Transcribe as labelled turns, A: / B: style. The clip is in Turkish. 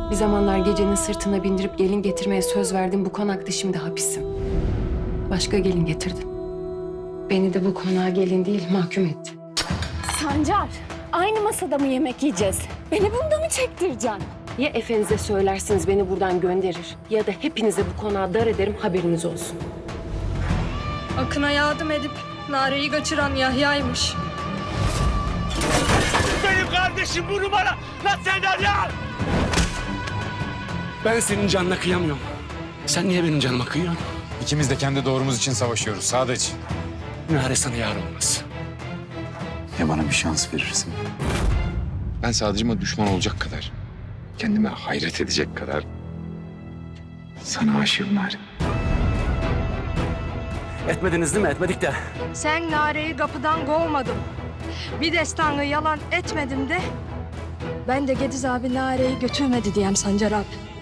A: Bir zamanlar gecenin sırtına bindirip gelin getirmeye söz verdim. Bu konakta şimdi hapisim. Başka gelin getirdin. Beni de bu konağa gelin değil mahkum etti.
B: Sancar, aynı masada mı yemek yiyeceğiz? Beni bunda mı çektireceksin?
A: Ya efenize söylersiniz beni buradan gönderir ya da hepinize bu konağa dar ederim, haberiniz olsun.
C: Akın'a yardım edip Nare'yi kaçıran Yahya'ymış.
D: Benim kardeşim bu numara. Lan sen ya!
E: Ben senin canına kıyamıyorum. Sen niye benim canıma kıyıyorsun?
F: İkimiz de kendi doğrumuz için savaşıyoruz Sadıç.
E: Nare sana yar olmaz.
F: Ya bana bir şans verirsin? Ben Sadıcıma düşman olacak kadar, kendime hayret edecek kadar sana aşığım Nare.
E: Etmediniz değil mi? Etmedik de.
C: Sen Nare'yi kapıdan kovmadın. Bir destanı yalan etmedim de. Ben de Gediz abi Nare'yi götürmedi diyem Sancar abi.